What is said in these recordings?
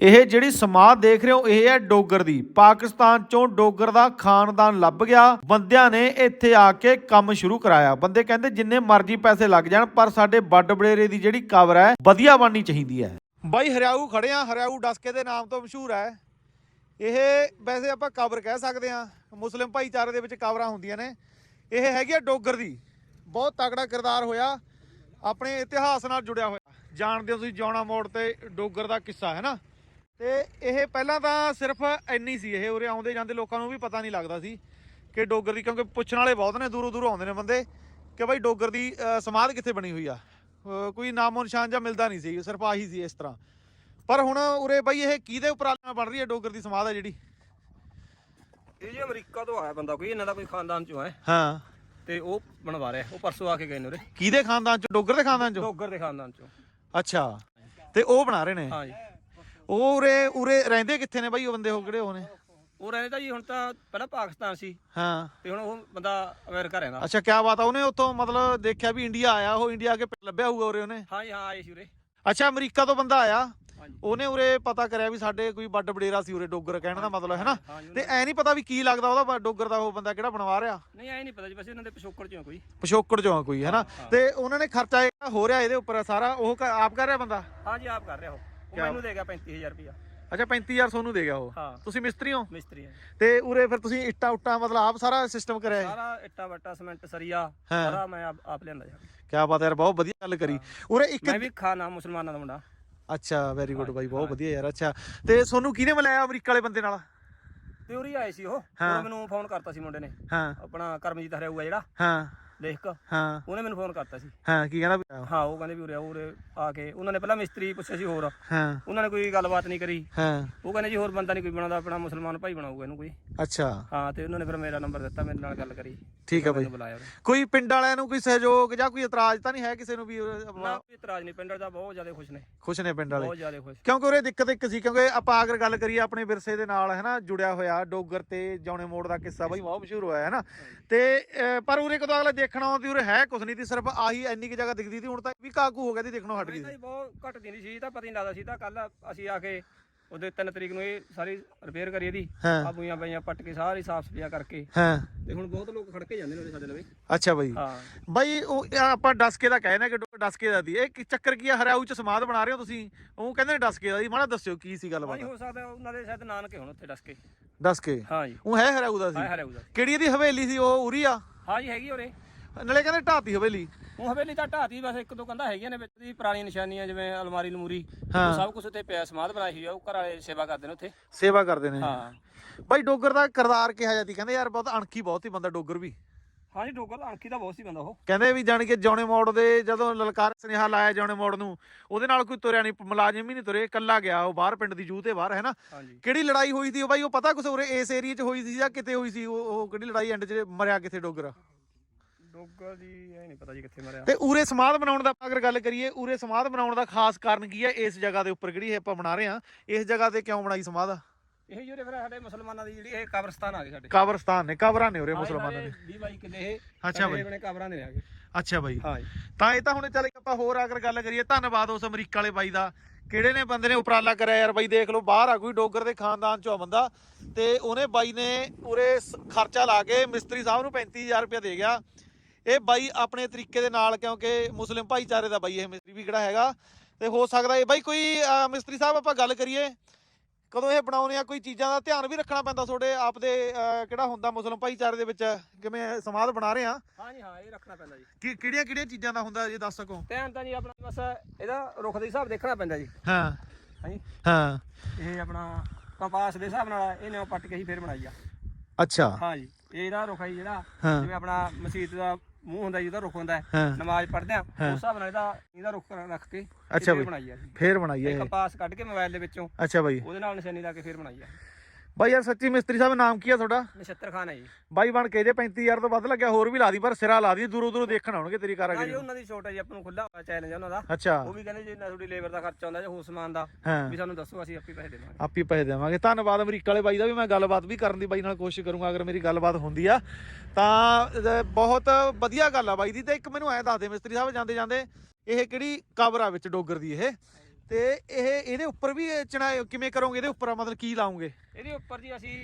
ਇਹ ਜਿਹੜੀ ਸਮਾਧ ਦੇਖ ਰਹੇ ਹੋ ਇਹ ਹੈ ਡੋਗਰ ਦੀ। ਪਾਕਿਸਤਾਨ ਚੋਂ ਡੋਗਰ ਦਾ ਖਾਨਦਾਨ ਲੱਭ ਗਿਆ, ਬੰਦਿਆਂ ਨੇ ਇੱਥੇ ਆ ਕੇ ਕੰਮ ਸ਼ੁਰੂ ਕਰਾਇਆ। ਬੰਦੇ ਕਹਿੰਦੇ ਜਿੰਨੇ ਮਰਜ਼ੀ ਪੈਸੇ ਲੱਗ ਜਾਣ ਪਰ ਸਾਡੇ ਵੱਡ ਵਡੇਰੇ ਦੀ ਜਿਹੜੀ ਕਬਰ ਹੈ ਵਧੀਆ ਬਣਨੀ ਚਾਹੀਦੀ ਹੈ। ਬਾਈ ਹਰਿਆਊ ਖੜੇ ਆ, ਹਰਿਆਊ ਡਸਕੇ ਦੇ ਨਾਮ ਤੋਂ ਮਸ਼ਹੂਰ ਹੈ ਇਹ। ਵੈਸੇ ਆਪਾਂ ਕਬਰ ਕਹਿ ਸਕਦੇ ਆ, ਮੁਸਲਿਮ ਭਾਈਚਾਰੇ ਦੇ ਵਿੱਚ ਕਬਰਾਂ ਹੁੰਦੀਆਂ ਨੇ। ਇਹ ਹੈਗੀ ਆ ਡੋਗਰ ਦੀ। ਬਹੁਤ ਤਕੜਾ ਕਿਰਦਾਰ ਹੋਇਆ, ਆਪਣੇ ਇਤਿਹਾਸ ਨਾਲ ਜੁੜਿਆ ਹੋਇਆ। ਜਾਣਦੇ ਹੋ ਤੁਸੀਂ ਜੌਣਾ ਮੋੜ ਤੇ ਡੋਗਰ ਦਾ ਕਿੱਸਾ ਹੈ ਨਾ। ਤੇ ਇਹ ਪਹਿਲਾਂ ਤਾਂ ਸਿਰਫ ਇੰਨੀ ਸੀ, ਇਹ ਉਰੇ ਆਉਂਦੇ ਜਾਂਦੇ ਲੋਕਾਂ ਨੂੰ ਵੀ ਪਤਾ ਨਹੀਂ ਲੱਗਦਾ ਸੀ ਕਿ ਡੋਗਰ ਦੀ, ਕਿਉਂਕਿ ਪੁੱਛਣ ਵਾਲੇ ਬਹੁਤ ਨੇ, ਦੂਰੋਂ ਦੂਰੋਂ ਆਉਂਦੇ ਨੇ ਬੰਦੇ ਕਿ ਭਾਈ ਡੋਗਰ ਦੀ ਸਮਾਧ ਕਿੱਥੇ ਬਣੀ ਹੋਈ ਆ। ਕੋਈ ਨਾਮੋ ਨਿਸ਼ਾਨ ਜਾਂ ਮਿਲਦਾ ਨਹੀਂ ਸੀ, ਸਿਰਫ ਆਹੀ ਸੀ ਇਸ ਤਰ੍ਹਾਂ। ਪਰ ਹੁਣ ਉਰੇ ਬਾਈ ਇਹ ਕਿਹਦੇ ਉਪਰਾਲੇ ਬਣ ਰਹੀ ਹੈ ਡੋਗਰ ਦੀ ਸਮਾਧ ਹੈ ਜਿਹੜੀ? ਇਹ ਜੀ ਅਮਰੀਕਾ ਤੋਂ ਆਇਆ ਬੰਦਾ ਕੋਈ, ਇਹਨਾਂ ਦਾ ਕੋਈ ਖਾਨਦਾਨ ਚੋਂ ਹੈ। ਹਾਂ, ਤੇ ਉਹ ਬਣਵਾ ਰਿਹਾ, ਉਹ ਪਰਸੋਂ ਆ ਕੇ ਗਏ ਨੇ ਉਰੇ। ਕਿਹਦੇ ਖਾਨਦਾਨ ਚੋਂ? ਡੋਗਰ ਦੇ ਖਾਨਦਾਨ ਚੋਂ? ਡੋਗਰ ਦੇ ਖਾਨਦਾਨ ਚੋਂ। ਅੱਛਾ, ਤੇ ਉਹ ਬਣਾ ਰਹੇ ਨੇ? ਹਾਂ ਜੀ। ਉਹ ਉਰੇ ਉਰੇ ਰਹਿੰਦੇ ਕਿੱਥੇ ਨੇ ਬਾਈ ਉਹ ਬੰਦੇ? ਉਹ ਕਿਹੜੇ ਉਹ ਨੇ? ਉਹ ਰਹਿੰਦਾ ਜੀ, ਹੁਣ ਤਾਂ ਪਹਿਲਾਂ ਪਾਕਿਸਤਾਨ ਸੀ ਹਾਂ, ਤੇ ਹੁਣ ਉਹ ਬੰਦਾ ਅਮਰੀਕਾ ਰਹਿੰਦਾ। ਅੱਛਾ, ਕਿਆ ਬਾਤ ਆ। ਉਹਨੇ ਉੱਥੋਂ ਮਤਲਬ ਦੇਖਿਆ ਵੀ ਇੰਡੀਆ ਆਇਆ, ਉਹ ਇੰਡੀਆ ਆ ਕੇ ਲੱਭਿਆ ਹੋਊਗਾ ਉਰੇ ਉਹਨੇ? ਹਾਂ ਜੀ, ਹਾਂ ਆਏ ਸੀ ਉਰੇ। ਅੱਛਾ, ਅਮਰੀਕਾ ਤੋਂ ਬੰਦਾ ਆਇਆ, ਹਾਂਜੀ। ਉਹਨੇ ਉਰੇ ਪਤਾ ਕਰਿਆ ਵੀ ਸਾਡੇ ਕੋਈ ਵੱਡ ਵਡੇਰਾ ਸੀ ਉਰੇ ਡੋਗਰ, ਕਹਿਣ ਦਾ ਮਤਲਬ ਹੈ ਨਾ। ਤੇ ਐ ਨਹੀਂ ਪਤਾ ਵੀ ਕੀ ਲੱਗਦਾ ਉਹਦਾ ਡੋਗਰ ਦਾ ਉਹ ਬੰਦਾ ਕਿਹੜਾ ਬਣਵਾ ਰਿਹਾ? ਨਹੀਂ ਐ ਨਹੀਂ ਪਤਾ ਜੀ, ਬਸ ਇਹਨਾਂ ਦੇ ਪਿਛੋਕੜ ਚੋਂ ਕੋਈ। ਪਿਛੋਕੜ ਚੋਂ ਕੋਈ ਹੈ ਨਾ। ਤੇ ਉਹਨਾਂ ਨੇ ਖਰਚਾ ਹੋ ਰਿਹਾ ਇਹਦੇ ਉੱਪਰ ਸਾਰਾ ਉਹ ਆਪ ਕਰ ਰਿਹਾ ਬੰਦਾ? ਹਾਂ ਜੀ, ਆਪ ਕਰ ਰਿਹਾ। ਉਹ ਮੈਨੂੰ ਦੇ ਗਿਆ 35000 ਰੁਪਇਆ। ਅੱਛਾ, 35000 ਤੁਹਾਨੂੰ ਦੇ ਗਿਆ ਉਹ? ਹਾਂ। ਤੁਸੀਂ ਮਿਸਤਰੀ ਹੋ? ਮਿਸਤਰੀ ਹੈ। ਤੇ ਉਰੇ ਫਿਰ ਤੁਸੀਂ ਇੱਟਾਂ ਉੱਟਾਂ ਮਤਲਬ ਆਪ ਸਾਰਾ ਸਿਸਟਮ ਕਰਿਆ? ਸਾਰਾ ਇੱਟਾ ਵੱਟਾ ਸੀਮੈਂਟ ਸਰੀਆ ਸਾਰਾ ਮੈਂ ਆਪ ਲਿਆਂਦਾ ਜੀ। ਕਿਆ ਬਾਤ ਯਾਰ, ਬਹੁਤ ਵਧੀਆ ਗੱਲ ਕਰੀ। ਉਰੇ ਇੱਕ ਮੈਂ ਵੀ ਖਾਨਾ ਮੁਸਲਮਾਨਾਂ ਦਾ ਮੁੰਡਾ। ਅੱਛਾ, ਵੈਰੀ ਗੁੱਡ ਬਾਈ, ਬਹੁਤ ਵਧੀਆ ਯਾਰ। ਅੱਛਾ, ਤੇ ਤੁਹਾਨੂੰ ਕਿਹਨੇ ਮਿਲਾਇਆ ਅਮਰੀਕਾ ਵਾਲੇ ਬੰਦੇ ਨਾਲ? ਤੇ ਉਰੀ ਆਏ ਸੀ ਉਹ ਮੈਨੂੰ ਫੋਨ ਕਰਤਾ ਸੀ ਮੁੰਡੇ ਨੇ। ਹਾਂ, ਆਪਣਾ ਕਰਮਜੀਤ ਹਰਿਆਊਗਾ ਜਿਹੜਾ ਹਾਂ ਲੇਖਕ, ਹਾਂ, ਉਹਨੇ ਮੈਨੂੰ ਫੋਨ ਕਰਤਾ ਸੀ। ਹਾਂ, ਕੀ ਕਹਿੰਦਾ? ਹਾਂ, ਉਹ ਕਹਿੰਦੇ ਵੀ ਉਰੇ ਆ ਕੇ ਉਹਨਾਂ ਨੇ ਪਹਿਲਾਂ ਮਿਸਤਰੀ ਪੁੱਛਿਆ ਸੀ ਹੋਰ, ਹਾਂ, ਉਹਨਾਂ ਨੇ ਕੋਈ ਗੱਲਬਾਤ ਨਹੀਂ ਕਰੀ। ਹਾਂ, ਉਹ ਕਹਿੰਦੇ ਜੀ ਹੋਰ ਬੰਦਾ ਨਹੀਂ ਕੋਈ ਬਣਾਉਂਦਾ, ਆਪਣਾ ਮੁਸਲਮਾਨ ਭਾਈ ਬਣਾਊਗਾ ਇਹਨੂੰ ਕੋਈ। ਅੱਛਾ, ਹਾਂ, ਤੇ ਉਹਨਾਂ ਨੇ ਫਿਰ ਮੇਰਾ ਨੰਬਰ ਦਿੱਤਾ, ਮੇਰੇ ਨਾਲ ਗੱਲ ਕਰੀ। ਠੀਕ ਹੈ ਬਾਈ। ਬੁਲਾਇਆ ਕੋਈ ਪਿੰਡ ਵਾਲਿਆਂ ਨੂੰ ਕੋਈ ਸਹਿਯੋਗ ਜਾਂ ਕੋਈ ਇਤਰਾਜ਼ ਤਾਂ ਨਹੀਂ ਹੈ ਕਿਸੇ ਨੂੰ ਵੀ? ਨਾ, ਕੋਈ ਇਤਰਾਜ਼ ਨਹੀਂ, ਪਿੰਡ ਦਾ ਬਹੁਤ ਜ਼ਿਆਦਾ ਖੁਸ਼ ਨੇ। ਖੁਸ਼ ਨੇ ਪਿੰਡ ਵਾਲੇ? ਬਹੁਤ ਜ਼ਿਆਦਾ ਖੁਸ਼। ਕਿਉਂਕਿ ਉਰੇ ਦਿੱਕਤ ਇੱਕ ਸੀ, ਕਿਉਂਕਿ ਆਪਾਂ ਅਗਰ ਗੱਲ ਕਰੀਏ ਆਪਣੇ ਵਿਰਸੇ ਦੇ ਨਾਲ ਹੈ ਨਾ ਜੁੜਿਆ ਹੋਇਆ ਡੋਗਰ ਤੇ ਜੌਣੇ ਮੋੜ ਦਾ ਕਿੱਸਾ ਬਾਈ ਬਹੁਤ ਮਸ਼ਹੂਰ ਹੋਇਆ ਹੈ ਨਾ। ਤੇ ਪਰ ਉਰੇ ਕਦੋਂ ਅਗਲੇ ਦੇਖਣ ਆਉਂਦੀ ਉਰੇ ਹੈ ਕੁਛ ਨਹੀਂ ਸੀ, ਸਿਰਫ ਆਹੀ ਇੰਨੀ ਕਿ ਜਗ੍ਹਾ ਦਿਖਦੀ ਸੀ। ਹੁਣ ਤਾਂ ਵੀ ਕਾਕੂ ਹੋ ਗਿਆ ਸੀ, ਦੇਖਣੋਂ ਹਟ ਗਈ ਸੀ। ਬਹੁਤ ਘੱਟ ਦਿੰਦੀ ਸੀ, ਤਾਂ ਪਤਾ ਨਹੀਂ ਲੱਗਦਾ ਸੀ। ਤਾਂ ਕੱਲ ਅਸੀਂ ਆ ਕੇ ਉਹਦੇ 3 ਤਰੀਕ ਨੂੰ ਇਹ ਸਾਰੀ ਰਿਪੇਅਰ ਕਰੀ ਇਹਦੀ, ਆ ਬੂਈਆਂ ਬਾਈਆਂ ਪੱਟ ਕੇ ਸਾਰੀ ਸਾਫ਼ ਸਫਾਈ ਕਰਕੇ। ਹਾਂ, ਤੇ ਹੁਣ ਬਹੁਤ ਲੋਕ ਖੜ ਕੇ ਜਾਂਦੇ ਨੇ ਸਾਡੇ ਲਵੇ। ਅੱਛਾ ਬਾਈ। ਹਾਂ ਬਾਈ, ਉਹ ਆਪਾਂ ਡਸਕੇ ਦਾ ਕਹਿੰਦੇ ਕਿ ਡਸਕੇ ਦਾ ਦੀ ਇਹ ਚੱਕਰ ਕੀ ਆ? ਹਰਿਆਊ ਚ ਸਮਾਧ ਬਣਾ ਰਹੇ ਹੋ ਤੁਸੀਂ, ਉਹ ਕਹਿੰਦੇ ਨੇ ਡਸਕੇ ਦਾ ਦੀ। ਮਾੜਾ ਦੱਸਿਓ ਕੀ ਸੀ ਗੱਲਬਾਤ? ਹੋ ਸਕਦਾ ਉਹਨਾਂ ਦੇ ਸ਼ਾਇਦ ਨਾਨਕੇ ਹੁਣ ਉੱਥੇ ਡਸਕੇ। ਡਸਕੇ? ਹਾਂ ਜੀ, ਉਹ ਹੈ ਹਰਿਆਊ ਦਾ ਸੀ? ਹਰਿਆਊ ਦਾ। ਕਿਹੜੀ ਇਹਦੀ ਹਵੇਲੀ ਸੀ ਉਹ? ਉਰੀ ਆ? ਹਾਂ ਜੀ, ਹੈਗੀ ਉਰੇ। ਨਾਲੇ ਕਹਿੰਦੇ ਢਾਤੀ ਹਵੇਲੀ। ਉਹ ਹਵੇਲੀ ਤਾਂ ਢਾਤੀ, ਬਸ ਇੱਕ ਦੋ ਕੰਧਾਂ ਹੈਗੀਆਂ ਨੇ ਵਿੱਚ ਦੀ ਪੁਰਾਣੀਆਂ ਨਿਸ਼ਾਨੀਆਂ, ਜਿਵੇਂ ਅਲਮਾਰੀ ਲਮੂਰੀ, ਹਾਂ, ਸਭ ਕੁਝ ਉੱਥੇ ਪਿਆ। ਸਮਾਧ ਬਣਾਈ ਹੋਈ ਆ, ਉਹ ਘਰ ਵਾਲੇ ਸੇਵਾ ਕਰਦੇ ਨੇ ਉੱਥੇ। ਸੇਵਾ ਕਰਦੇ ਨੇ? ਹਾਂ ਬਾਈ, ਡੋਗਰ ਦਾ ਕਿਰਦਾਰ ਕਿਹਾ ਜਾਂਦੀ? ਕਹਿੰਦੇ ਯਾਰ ਬਹੁਤ ਅਣਖੀ ਬਹੁਤ ਹੀ ਬੰਦਾ ਡੋਗਰ ਵੀ। ਹਾਂ ਜੀ, ਡੋਗਰ ਅਣਖੀ ਦਾ ਬਹੁਤ ਸੀ ਬੰਦਾ ਉਹ। ਕਹਿੰਦੇ ਵੀ ਜਾਣ ਕੇ ਜੌਣੇ ਮੋੜ ਦੇ ਜਦੋਂ ਲਲਕਾਰ ਸੁਨੇਹਾ ਲਾਇਆ ਜੌਣੇ ਮੋੜ ਨੂੰ, ਉਹਦੇ ਨਾਲ ਕੋਈ ਤੁਰਿਆ ਨਹੀਂ, ਮੁਲਾਜ਼ਮ ਹੀ ਨਹੀਂ ਤੁਰੇ, ਇਕੱਲਾ ਗਿਆ ਉਹ ਬਾਹਰ ਪਿੰਡ ਦੀ ਜੂਹ ਤੇ ਬਾਹਰ ਹੈ ਨਾ। ਕਿਹੜੀ ਲੜਾਈ ਹੋਈ ਸੀ ਉਹ ਬਾਈ? ਉਹ ਪਤਾ ਕੁਛ ਉਰੇ ਇਸ ਏਰੀਏ 'ਚ ਹੋਈ ਸੀ ਜਾਂ ਕਿਤੇ ਹੋਈ ਸੀ? ਉਹ ਕਿਹੜੀ ਲੜਾਈ ਐਂਡ 'ਚ ਮਰਿਆ ਕਿੱਥੇ ਡੋਗਰ? ਡੋਗਰ ਦੀ ਇਹ ਨਹੀਂ ਪਤਾ ਜੀ ਕਿੱਥੇ ਮਰਿਆ। ਤੇ ਉਰੇ ਸਮਾਧ ਬਣਾਉਣ ਦਾ ਅਗਰ ਗੱਲ ਕਰੀਏ, ਉਰੇ ਸਮਾਧ ਬਣਾਉਣ ਦਾ ਖਾਸ ਕਾਰਨ ਕੀ ਹੈ? ਇਸ ਜਗ੍ਹਾ ਦੇ ਉੱਪਰ ਜਿਹੜੀ ਆਪਾਂ ਬਣਾ ਰਹੇ ਹਾਂ, ਇਸ ਜਗ੍ਹਾ ਤੇ ਕਿਉਂ ਬਣਾਈ ਸਮਾਧ? ਇਹ ਜਿਹੜੇ ਫਿਰ ਸਾਡੇ ਮੁਸਲਮਾਨਾਂ ਦੀ ਜਿਹੜੀ ਇਹ ਕਬਰਸਤਾਨ ਆ ਗਏ ਸਾਡੇ। ਕਬਰਸਤਾਨ ਨੇ, ਕਬਰਾਂ ਨੇ ਉਰੇ ਮੁਸਲਮਾਨਾਂ ਨੇ। 20 ਕਿੱਲੇ ਇਹ। ਅੱਛਾ ਬਾਈ, ਆਪਣੇ ਕਬਰਾਂ ਦੇ ਨੇ ਆ ਗਏ। ਅੱਛਾ ਬਾਈ। ਹਾਂ ਜੀ, ਤਾਂ ਇਹ ਤਾਂ ਹੁਣ ਚੱਲ ਆਪਾਂ ਹੋਰ ਅਗਰ ਗੱਲ ਕਰੀਏ, ਧੰਨਵਾਦ ਉਸ ਅਮਰੀਕਾ ਵਾਲੇ ਬਾਈ ਦਾ, ਕਿਹੜੇ ਨੇ ਬੰਦੇ ਨੇ ਉਪਰਾਲਾ ਕਰਿਆ ਯਾਰ। ਬਾਈ ਦੇਖ ਲਓ, ਬਾਹਰ ਆ ਕੋਈ ਡੋਗਰ ਦੇ ਖਾਨਦਾਨ ਚੋਂ ਆ ਬੰਦਾ, ਤੇ ਉਹਨੇ ਬਾਈ ਨੇ ਉਰੇ ਖਰਚਾ ਲਾ ਕੇ ਮਿਸਤਰੀ ਸਾਹਿਬ ਨੂੰ 35000 ਰੁਪਇਆ ਦੇ ਗਿਆ। ਇਹ ਬਾਈ ਆਪਣੇ ਤਰੀਕੇ ਦੇ ਨਾਲ, ਕਿਉਂਕਿ ਮੁਸਲਿਮ ਭਾਈਚਾਰੇ ਦਾ ਬਾਈ ਇਹ ਮਿਸਤਰੀ ਵੀ ਕਿਹੜਾ ਹੈਗਾ, ਤੇ ਹੋ ਸਕਦਾ ਇਹ ਬਾਈ ਕੋਈ ਮਿਸਤਰੀ ਸਾਹਿਬ ਆਪਾਂ ਗੱਲ ਕਰੀਏ ਕਦੋਂ ਇਹ ਬਣਾਉਣੇ ਆ, ਕੋਈ ਚੀਜ਼ਾਂ ਦਾ ਧਿਆਨ ਵੀ ਰੱਖਣਾ ਪੈਂਦਾ ਤੁਹਾਡੇ ਆਪ ਦੇ ਕਿਹੜਾ ਹੁੰਦਾ ਮੁਸਲਿਮ ਭਾਈਚਾਰੇ ਦੇ ਵਿੱਚ, ਕਿਵੇਂ ਸਮਾਧ ਬਣਾ ਰਹੇ ਆ? ਹਾਂ ਜੀ, ਹਾਂ, ਇਹ ਰੱਖਣਾ ਪੈਂਦਾ ਜੀ। ਕਿਹੜੀਆਂ ਕਿਹੜੀਆਂ ਚੀਜ਼ਾਂ ਦਾ ਹੁੰਦਾ ਇਹ ਦੱਸ ਸਕੋ? ਧਿਆਨ ਤਾਂ ਜੀ ਆਪਣਾ ਬਸ ਇਹਦਾ ਰੁੱਖ ਦੇ ਹਿਸਾਬ ਦੇਖਣਾ ਪੈਂਦਾ ਜੀ। ਹਾਂ ਹਾਂ ਜੀ, ਹਾਂ, ਇਹ ਆਪਣਾ ਕੰਪਾਸ ਦੇ ਹਿਸਾਬ ਨਾਲ ਇਹ ਨਿਉ ਪੱਟ ਕੇ ਹੀ ਫੇਰ ਬਣਾਈ ਆ। ਅੱਛਾ, ਹਾਂ ਜੀ, ਇਹਦਾ ਰੁੱਖ ਹੈ ਜਿਹੜਾ, ਹਾਂ, ਜਿਵੇਂ ਆਪਣਾ ਮਸਜਿਦ ਦਾ ਮੂੰਹ ਹੁੰਦਾ ਜੀ, ਉਹਦਾ ਰੁੱਖ ਹੁੰਦਾ ਹੈ, ਨਮਾਜ਼ ਪੜ੍ਹਦੇ ਆ ਉਸ ਹਿਸਾਬ ਨਾਲ ਇਹਦਾ ਰੁੱਖ ਰੱਖ ਕੇ ਅੱਛਾ ਬਾਈ ਬਣਾਈ ਆ ਜੀ। ਫੇਰ ਬਣਾਈ ਹੈ ਕੰਪਾਸ ਕੱਢ ਕੇ ਮੋਬਾਈਲ ਦੇ ਵਿੱਚੋਂ, ਅੱਛਾ ਬਾਈ, ਉਹਦੇ ਨਾਲ ਨਿਸ਼ਾਨੀ ਲਾ ਕੇ ਫੇਰ ਬਣਾਈ ਆ ਬਾਈ। ਯਾਰ ਸੱਚੀ ਮਿਸਤਰੀ ਸਾਹਿਬ, ਨਾਮ ਕੀ ਆ ਤੁਹਾਡਾ? ਨਛੱਤਰ ਖਾਨ ਹੈ ਜੀ। ਬਾਈ ਬਣ ਕੇ ਜੇ 35000 ਤੋਂ ਵੱਧ ਲੱਗਿਆ ਹੋਰ ਵੀ ਲਾ ਦੀ, ਪਰ ਸਿਰਾ ਲਾ ਦੀ, ਦੂਰੋਂ ਦੂਰੋਂ ਦੇਖਣ ਆਉਣਗੇ ਤੇਰੀ ਹਾਂ ਕਾਰਾਗਰੀ। ਜੀ, ਉਹਨਾਂ ਦੀ ਛੋਟ ਹੈ ਜੀ, ਆਪਾਂ ਨੂੰ ਖੁੱਲਾ ਚੈਲੰਜ ਹੈ ਉਹਨਾਂ ਦਾ। ਅੱਛਾ, ਉਹ ਵੀ ਕਹਿੰਦੇ ਜੇ ਨਾ ਤੁਹਾਡੀ ਲੇਬਰ ਦਾ ਖਰਚਾ ਆਉਂਦਾ ਜਾਂ ਹੋਰ ਸਮਾਨ ਦਾ ਵੀ ਸਾਨੂੰ ਦੱਸੋ, ਅਸੀਂ ਆਪੇ ਪੈਸੇ ਦੇਵਾਂਗੇ। ਆਪੀ ਪੈਸੇ ਦੇਵਾਂਗੇ। ਧੰਨਵਾਦ ਅਮਰੀਕਾ ਵਾਲੇ ਬਾਈ ਦਾ ਵੀ। ਮੈਂ ਗੱਲਬਾਤ ਵੀ ਕਰਨ ਦੀ ਬਾਈ ਨਾਲ ਕੋਸ਼ਿਸ਼ ਕਰੂੰਗਾ, ਅਗਰ ਮੇਰੀ ਗੱਲਬਾਤ ਹੁੰਦੀ ਆ ਤਾਂ। ਬਹੁਤ ਵਧੀਆ ਗੱਲ ਆ ਬਾਈ ਦੀ। ਤੇ ਇੱਕ ਮੈਨੂੰ ਐਂ ਦੱਸ ਦੇ ਮਿਸਤਰੀ ਸਾਹਿਬ, ਜਾਂਦੇ ਜਾਂਦੇ, ਇਹ ਕਿਹੜੀ ਕਬਰ ਆ ਵਿੱਚ ਡੋਗਰ ਦੀ ਇਹ? ਤੇ ਇਹਦੇ ਉੱਪਰ ਵੀ ਚਣਾ ਕਿਵੇਂ ਕਰੋਗੇ? ਇਹਦੇ ਉੱਪਰ ਮਤਲਬ ਕੀ ਲਾਉਂਗੇ ਇਹਦੇ ਉੱਪਰ ਜੀ ਅਸੀਂ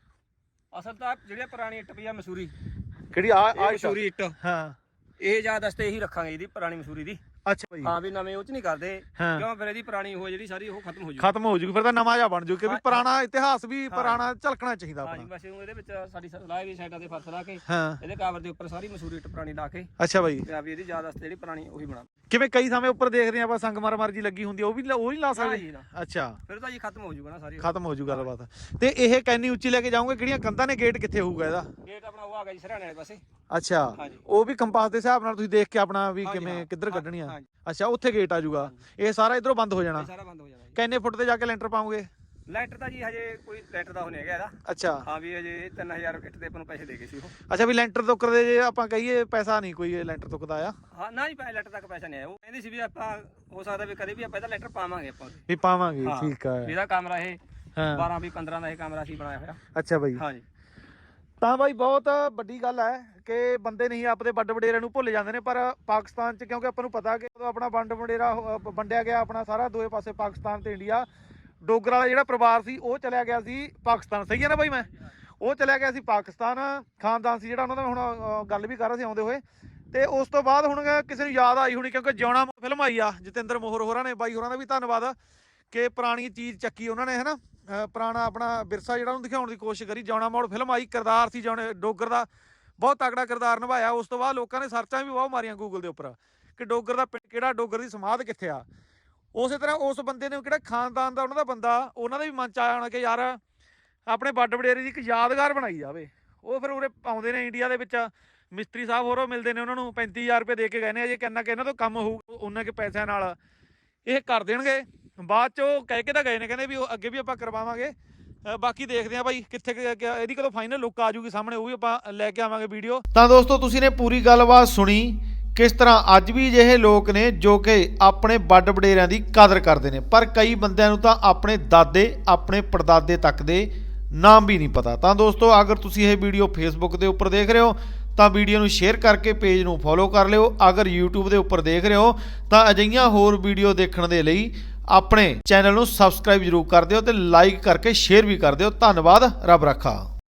ਅਸਲ ਤਾਂ ਜਿਹੜੇ ਪੁਰਾਣੀ ਇੱਟ ਪਈ ਆ ਮਸੂਰੀ, ਕਿਹੜੀ ਆ ਮਸੂਰੀ ਇੱਟ, ਹਾਂ ਇਹ ਯਾਦ ਵਾਸਤੇ ਇਹੀ ਰੱਖਾਂਗੇ, ਇਹਦੀ ਪੁਰਾਣੀ ਮਸੂਰੀ ਦੀ। ਅੱਛਾ ਭਾਈ, ਹਾਂ ਵੀ ਨਵੇਂ ਉਹ ਚ ਨਹੀਂ ਕਰਦੇ, ਹਾਂ। ਕਿਉਂ ਫਿਰ ਇਹਦੀ ਪੁਰਾਣੀ ਉਹ ਜਿਹੜੀ ਸਾਰੀ ਉਹ ਖਤਮ ਹੋ ਜੂ, ਖਤਮ ਹੋ ਜੂਗੀ, ਫਿਰ ਤਾਂ ਨਵਾਂ ਜਿਹਾ ਬਣ ਜੂ ਕਿ ਵੀ ਪੁਰਾਣਾ ਇਤਿਹਾਸ ਵੀ ਪੁਰਾਣਾ ਝਲਕਣਾ ਚਾਹੀਦਾ ਹਾਂ ਜੀ। ਆਪਣਾ। ਬਸ ਇਹਦੇ ਵਿੱਚ ਸਾਡੀ ਲਾਏ ਦੀ ਸਾਈਡਾਂ ਤੇ ਫਰਸ਼ ਲਾ ਕੇ, ਹਾਂ ਇਹਦੇ ਕਾਵਰ ਦੇ ਉੱਪਰ ਸਾਰੀ ਮਸੂਰੀ ਇੱਟ ਪੁਰਾਣੀ ਲਾ ਕੇ, ਅੱਛਾ ਬਾਈ, ਤੇ ਆ ਵੀ ਇਹਦੀ ਯਾਦ ਵਾਸਤੇ ਜਿਹੜੀ ਪੁਰਾਣੀ ਉਹੀ ਬਣਾ। ਕਿਵੇਂ ਕਈ ਸਮੇਂ ਉੱਪਰ ਦੇਖਦੇ ਆਪਾਂ ਸੰਗਮਰਮਰ ਜੀ ਲੱਗੀ ਹੁੰਦੀ, ਉਹ ਨਹੀਂ ਲਾ ਹਾਂ ਸਕਦੇ? ਜੀ ਨਾ, ਅੱਛਾ, ਫਿਰ ਤਾਂ ਜੀ ਖਤਮ ਹੋ ਜੂਗਾ ਨਾ ਸਾਰੀ, ਖਤਮ ਹੋ ਜੂ ਗੱਲਬਾਤ। ਤੇ ਇਹ ਕੈਨੀ ਉੱਚੀ ਲੈ ਕੇ ਜਾਓਗੇ? ਕਿਹੜੀਆਂ ਕੰਧਾਂ ਨੇ? ਗੇਟ ਕਿੱਥੇ ਹੋਊਗਾ ਇਹਦਾ? ਗੇਟ ਆਪਣਾ ਉਹ ਆ ਗਿਆ ਜੀ ਸਰਾਣੇ ਵਾਲੇ ਪਾਸੇ। ਅੱਛਾ, ਹਾਂਜੀ। ਉਹ ਵੀ ਕੰਪਾਸ ਦੇ ਹਿਸਾਬ ਨਾਲ ਤੁਸੀਂ ਦੇਖ ਕੇ ਆਪਣਾ ਵੀ ਹਾਂਜੀ, ਕਿਵੇਂ ਹਾਂ। ਕਿੱਧਰ ਕੱਢਣੀ ਆ? ਹਾਂਜੀ। ਅੱਛਾ, ਉੱਥੇ ਗੇਟ ਆ ਜੂਗਾ, ਇਹ ਸਾਰਾ ਇਧਰੋਂ ਬੰਦ ਹੋ ਜਾਣਾ। ਇਹ ਸਾਰਾ ਬੰਦ ਹੋ ਜਾਣਾ ਜੀ। ਕਿੰਨੇ ਫੁੱਟ ਤੇ ਜਾ ਕੇ ਲੈਂਟਰ ਪਾਉਂਗੇ? ਲੈਂਟਰ ਤਾਂ ਜੀ ਹਜੇ ਕੋਈ ਲੈਂਟਰ ਦਾ ਹੋ ਨਹੀਂ ਹੈਗਾ ਇਹਦਾ। ਅੱਛਾ, ਹਾਂ ਵੀ ਹਜੇ 3000 ਇੱਟ ਦੇ ਆਪਾਂ ਨੂੰ ਪੈਸੇ ਦੇ ਗਏ ਸੀ ਉਹ। ਅੱਛਾ ਵੀ ਲੈਂਟਰ ਤੁੱਕਰ ਦੇ ਜੇ ਆਪਾਂ ਕਹੀਏ ਪੈਸਾ ਨਹੀਂ ਕੋਈ ਲੈਂਟਰ ਤੁੱਕਦਾ ਆ? ਹਾਂ ਨਾ ਜੀ, ਲੈਂਟਰ ਤੱਕ ਪੈਸਾ ਨਹੀਂ ਆਇਆ। ਉਹ ਕਹਿੰਦੀ ਸੀ ਵੀ ਆਪਾਂ ਹੋ ਸਕਦਾ ਵੀ ਕਦੇ ਵੀ ਆਪਾਂ ਇਹਦਾ ਲੈਂਟਰ ਪਾਵਾਂਗੇ ਆਪਾਂ ਵੀ ਪਾਵਾਂਗੇ, ਹਾਂ। ਠੀਕ ਆ। ਇਹਦਾ ਕਮਰਾ ਇਹ ਹਾਂ 12 ਵੀ 15 ਦਾ ਇਹ ਕਮਰਾ ਸੀ ਬਣਾਇਆ ਹੋਇਆ। ਅੱਛਾ ਬਾਈ, ਹਾਂ ਜੀ। ਤਾਂ ਬਾਈ ਬਹੁਤ ਵੱਡੀ ਗੱਲ ਹੈ ਕਿ ਬੰਦੇ ਨਹੀਂ ਆਪਦੇ ਵੱਡ ਵਡੇਰਿਆਂ ਨੂੰ ਭੁੱਲ ਜਾਂਦੇ ਨੇ, ਪਰ ਪਾਕਿਸਤਾਨ 'ਚ ਕਿਉਂਕਿ ਆਪਾਂ ਨੂੰ ਪਤਾ ਕਿ ਜਦੋਂ ਆਪਣਾ ਵੰਡ ਵਡੇਰਾ ਵੰਡਿਆ ਗਿਆ ਆਪਣਾ ਸਾਰਾ ਦੋਏ ਪਾਸੇ ਪਾਕਿਸਤਾਨ ਤੇ ਇੰਡੀਆ, ਡੋਗਰ ਵਾਲਾ ਜਿਹੜਾ ਪਰਿਵਾਰ ਸੀ ਉਹ ਚਲਿਆ ਗਿਆ ਸੀ ਪਾਕਿਸਤਾਨ। ਸਹੀ ਹੈ ਨਾ ਬਾਈ? ਮੈਂ ਉਹ ਚਲਿਆ ਗਿਆ ਸੀ ਪਾਕਿਸਤਾਨ, ਖਾਨਦਾਨ ਸੀ ਜਿਹੜਾ ਉਹਨਾਂ ਦਾ। ਹੁਣ ਗੱਲ ਵੀ ਕਰ ਰਹੇ ਸੀ ਆਉਂਦੇ ਹੋਏ, ਤੇ ਉਸ ਤੋਂ ਬਾਅਦ ਹੁਣ ਕਿਸੇ ਨੂੰ ਯਾਦ ਆਈ ਹੋਣੀ ਕਿਉਂਕਿ ਜਿਉਣਾ ਫਿਲਮ ਆਈ ਆ ਜਤਿੰਦਰ ਮੋਹਰ ਹੋਰਾਂ ਨੇ, ਬਾਈ ਹੋਰਾਂ ਦਾ ਵੀ ਧੰਨਵਾਦ ਕਿ ਪੁਰਾਣੀ ਚੀਜ਼ ਚੱਕੀ ਉਹਨਾਂ ਨੇ, ਹੈ ਨਾ, ਪੁਰਾਣਾ ਆਪਣਾ ਵਿਰਸਾ ਜਿਹੜਾ ਉਹਨੂੰ ਦਿਖਾਉਣ ਦੀ ਕੋਸ਼ਿਸ਼ ਕਰੀ। ਜਿਉਣਾ ਮੋੜ ਫਿਲਮ ਆਈ, ਕਿਰਦਾਰ ਸੀ ਜਿਉਣੇ ਡੋਗਰ ਦਾ, ਬਹੁਤ ਤਕੜਾ ਕਿਰਦਾਰ ਨਿਭਾਇਆ। ਉਸ ਤੋਂ ਬਾਅਦ ਲੋਕਾਂ ਨੇ ਸਰਚਾਂ ਵੀ ਬਹੁਤ ਮਾਰੀਆਂ ਗੂਗਲ ਦੇ ਉੱਪਰ ਕਿ ਡੋਗਰ ਦਾ ਪਿੰਡ ਕਿਹੜਾ, ਡੋਗਰ ਦੀ ਸਮਾਧ ਕਿੱਥੇ ਆ। ਉਸੇ ਤਰ੍ਹਾਂ ਉਸ ਬੰਦੇ ਨੇ ਕਿਹੜਾ ਖਾਨਦਾਨ ਦਾ ਉਹਨਾਂ ਦਾ ਬੰਦਾ, ਉਹਨਾਂ ਦਾ ਵੀ ਮਨ ਚ ਆਇਆ ਹੋਣਾ ਕਿ ਯਾਰ ਆਪਣੇ ਵੱਡ ਵਡੇਰੇ ਦੀ ਇੱਕ ਯਾਦਗਾਰ ਬਣਾਈ ਜਾਵੇ। ਉਹ ਫਿਰ ਉਰੇ ਆਉਂਦੇ ਨੇ ਇੰਡੀਆ ਦੇ ਵਿੱਚ, ਮਿਸਤਰੀ ਸਾਹਿਬ ਹੋਰੋਂ ਮਿਲਦੇ ਨੇ ਉਹਨਾਂ ਨੂੰ, 35,000 ਰੁਪਏ ਦੇ ਕੇ ਗਏ ਨੇ, ਅਜੇ ਕਿੰਨਾ ਕਿ ਇਹਨਾਂ ਤੋਂ ਕੰਮ ਹੋਊ ਉਹਨਾਂ ਕੇ ਪੈਸਿਆਂ ਨਾਲ ਇਹ ਕਰ ਦੇਣਗੇ। ਬਾਅਦ ਚ ਉਹ ਕਹਿ ਕੇ ਤਾਂ ਗਏ ਨੇ, ਕਹਿੰਦੇ ਵੀ ਉਹ ਅੱਗੇ ਵੀ ਆਪਾਂ ਕਰਵਾਵਾਂਗੇ। ਬਾਕੀ ਦੇਖਦੇ ਆ ਬਾਈ ਕਿੱਥੇ ਇਹਦੀ ਕਦੋਂ ਫਾਈਨਲ ਲੁੱਕ ਆ ਜੂਗੀ ਸਾਹਮਣੇ, ਉਹ ਵੀ ਆਪਾਂ ਲੈ ਕੇ ਆਵਾਂਗੇ ਵੀਡੀਓ। ਤਾਂ ਦੋਸਤੋ ਤੁਸੀਂ ਨੇ ਪੂਰੀ ਗੱਲਬਾਤ ਸੁਣੀ ਕਿਸ ਤਰ੍ਹਾਂ ਅੱਜ ਵੀ ਅਜਿਹੇ ਲੋਕ ਨੇ ਜੋ ਕਿ ਆਪਣੇ ਵੱਡ ਵਡੇਰਿਆਂ ਦੀ ਕਦਰ ਕਰਦੇ ਨੇ, ਪਰ ਕਈ ਬੰਦਿਆਂ ਨੂੰ ਤਾਂ ਆਪਣੇ ਦਾਦੇ ਆਪਣੇ ਪੜਦਾਦੇ ਤੱਕ ਦੇ ਨਾਮ ਵੀ ਨਹੀਂ ਪਤਾ। ਤਾਂ ਦੋਸਤੋ ਅਗਰ ਤੁਸੀਂ ਇਹ ਵੀਡੀਓ ਫੇਸਬੁੱਕ ਦੇ ਉੱਪਰ ਦੇਖ ਰਹੇ ਹੋ ਤਾਂ ਵੀਡੀਓ ਨੂੰ ਸ਼ੇਅਰ ਕਰਕੇ ਪੇਜ ਨੂੰ ਫੋਲੋ ਕਰ ਲਿਓ। ਅਗਰ YouTube ਦੇ ਉੱਪਰ ਦੇਖ ਰਹੇ ਹੋ ਤਾਂ ਅਜਿਹੀਆਂ ਹੋਰ ਵੀਡੀਓ ਦੇਖਣ ਦੇ ਲਈ ਆਪਣੇ ਚੈਨਲ ਨੂੰ ਸਬਸਕ੍ਰਾਈਬ ਜ਼ਰੂਰ ਕਰ ਦਿਓ ਤੇ ਲਾਈਕ ਕਰਕੇ ਸ਼ੇਅਰ ਵੀ ਕਰ ਦਿਓ। ਧੰਨਵਾਦ, ਰੱਬ ਰੱਖਾ।